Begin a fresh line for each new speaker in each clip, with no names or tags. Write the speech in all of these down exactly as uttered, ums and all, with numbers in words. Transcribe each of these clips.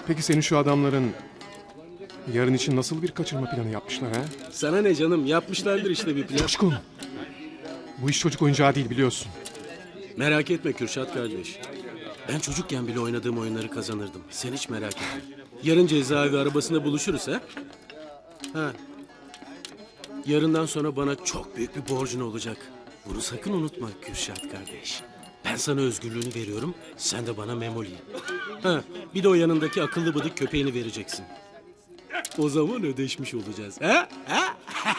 Peki senin şu adamların yarın için nasıl bir kaçırma planı yapmışlar ha?
Sana ne canım, yapmışlardır işte bir plan.
Coşkun. Bu iş çocuk oyuncağı değil biliyorsun.
Merak etme Kürşat kardeş. Ben çocukken bile oynadığım oyunları kazanırdım. Sen hiç merak etme. Yarın cezaevi arabasında buluşuruz ha? Ha. Yarından sonra bana çok büyük bir borcun olacak. Bunu sakın unutma Kürşat kardeş. Ben sana özgürlüğünü veriyorum, sen de bana Memoli'yi. Ha, bir de o yanındaki akıllı bıdık köpeğini vereceksin. O zaman ödeşmiş olacağız. Ha? Ha?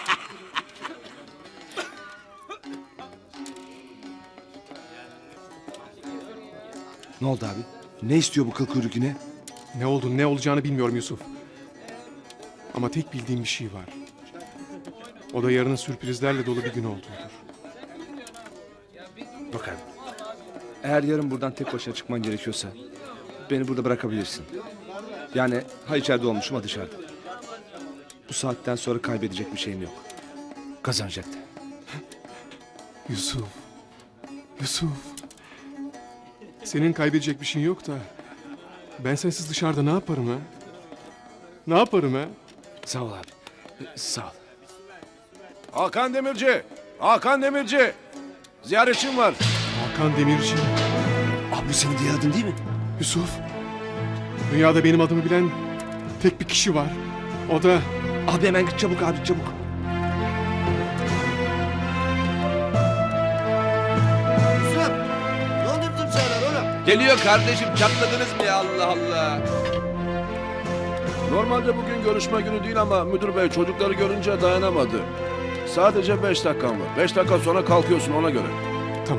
Ne oldu abi? Ne istiyor bu kıl kuyruk yine?
Ne oldu ne olacağını bilmiyorum Yusuf. Ama tek bildiğim bir şey var. O da yarının sürprizlerle dolu bir gün olduğudur.
Bak abi. Eğer yarın buradan tek başına çıkman gerekiyorsa beni burada bırakabilirsin. Yani ha içeride olmuşum ha dışarıda. Bu saatten sonra kaybedecek bir şeyim yok. Kazanacak da.
Yusuf. Yusuf. Senin kaybedecek bir şeyin yok da ben sensiz dışarıda ne yaparım ha? Ne yaparım ha?
Sağ ol abi. Sağ ol.
Hakan Demirci! Hakan Demirci! Ziyaretçim var.
Hakan Demirci.
Abi bu senin diğer adın değil mi?
Yusuf. Dünyada benim adımı bilen tek bir kişi var. O da
Abi hemen git çabuk abi çabuk.
Yusuf, ne oldu bizim şeyler oğlum?
Geliyor kardeşim, çatladınız mı ya, Allah Allah.
Normalde bugün görüşme günü değil ama müdür bey çocukları görünce dayanamadı. Sadece beş dakikan var. Beş dakika sonra kalkıyorsun ona göre.
tamam.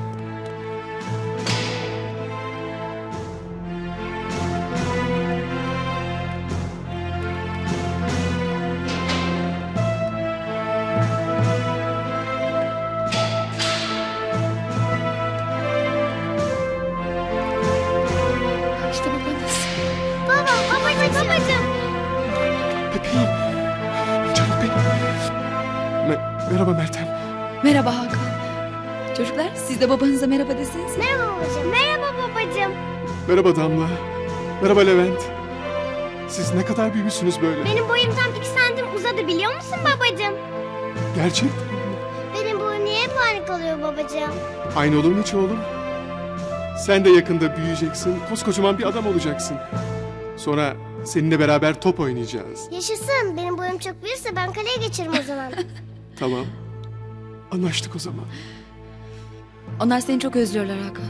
İşte babanız. Baba, babacığım, babacığım.
Bebeğim. Canım benim. Me- merhaba Meltem.
Merhaba Hakan. Çocuklar, siz de babanıza merhaba deseniz.
Merhaba babacığım. Merhaba babacığım.
Merhaba Damla. Merhaba Levent. Siz ne kadar büyümüşsünüz böyle.
Benim boyum tam iki santim uzadı biliyor musun babacığım?
Gerçekten.
Benim boyum niye hep aynı kalıyor babacığım?
Aynı olur mu hiç oğlum? Sen de yakında büyüyeceksin. Koskocaman bir adam olacaksın. Sonra seninle beraber top oynayacağız.
Yaşasın. Benim boyum çok büyürse ben kaleye geçerim o zaman.
Tamam. Anlaştık o zaman.
Onlar seni çok özlüyorlar Hakan.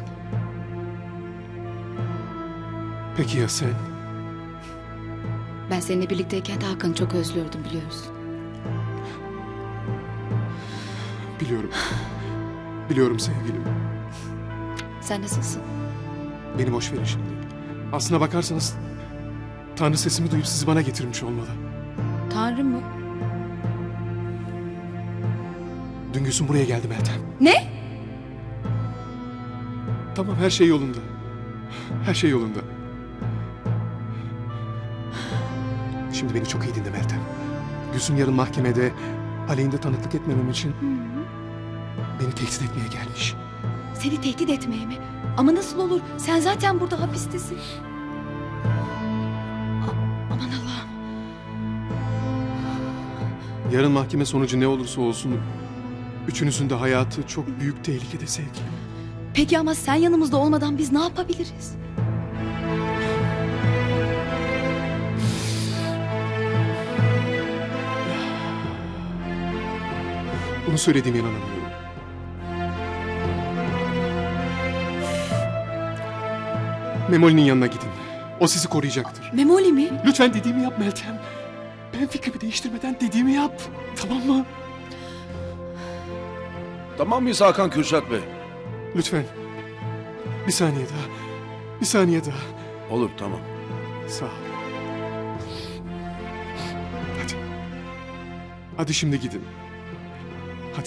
Peki ya sen?
Ben seninle birlikteyken de Hakan'ı çok özlüyordum biliyoruz.
Biliyorum. Biliyorum sevgilim.
Sen nasılsın?
Beni boş verin şimdi. Aslına bakarsanız Tanrı sesimi duyup sizi bana getirmiş olmalı.
Tanrı mı?
Dün Gülsüm buraya geldi Meltem.
Ne?
Tamam her şey yolunda. Her şey yolunda. Şimdi beni çok iyi dinle Meltem. Gülsüm yarın mahkemede aleyhinde tanıklık etmemem için beni tehdit etmeye gelmiş.
Seni tehdit etmeye mi? Ama nasıl olur? Sen zaten burada hapistesin. A- aman Allah'ım.
Yarın mahkeme sonucu ne olursa olsun üçünüzün de hayatı çok büyük tehlikede sevgilim.
Peki ama sen yanımızda olmadan biz ne yapabiliriz?
Bunu söylediğime inanamıyorum. Memoli'nin yanına gidin. O sizi koruyacaktır.
Memoli mi?
Lütfen dediğimi yap Meltem. Ben fikrimi değiştirmeden dediğimi yap. Tamam mı?
Tamam mıyız Hakan Kürşat Bey?
Lütfen. Bir saniye daha. Bir saniye daha.
Olur tamam.
Sağ ol. Hadi. Hadi şimdi gidin. Hadi.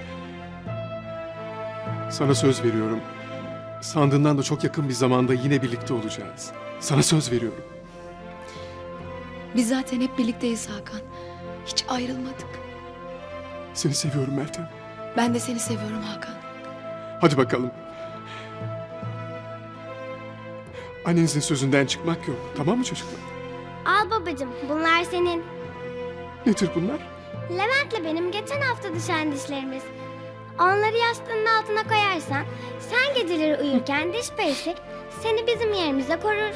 Sana söz veriyorum. Sandığından da çok yakın bir zamanda yine birlikte olacağız. Sana söz veriyorum.
Biz zaten hep birlikteyiz Hakan. Hiç ayrılmadık.
Seni seviyorum Meltem.
Ben de seni seviyorum Hakan.
Hadi bakalım. Annenizin sözünden çıkmak yok. Tamam mı çocuklar?
Al babacığım, bunlar senin.
Nedir bunlar?
Levent'le benim geçen hafta düşen dişlerimiz. Onları yastığının altına koyarsan, sen geceleri uyurken diş perisi seni bizim yerimize korur.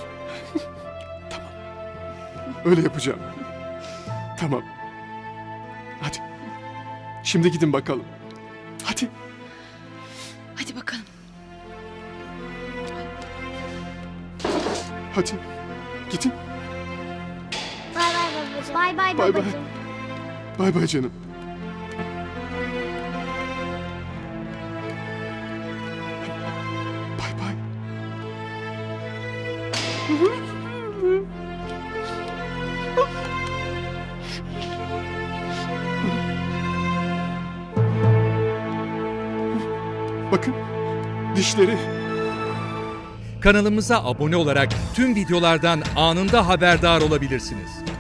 Öyle yapacağım. Tamam. Hadi. Şimdi gidin bakalım. Hadi.
Hadi bakalım.
Hadi. Gidin.
Bay bay babacığım. Bay bay
Bay bay.
babacığım.
Bay bay canım. Bay bay. Bakın dişleri.
Kanalımıza abone olarak tüm videolardan anında haberdar olabilirsiniz.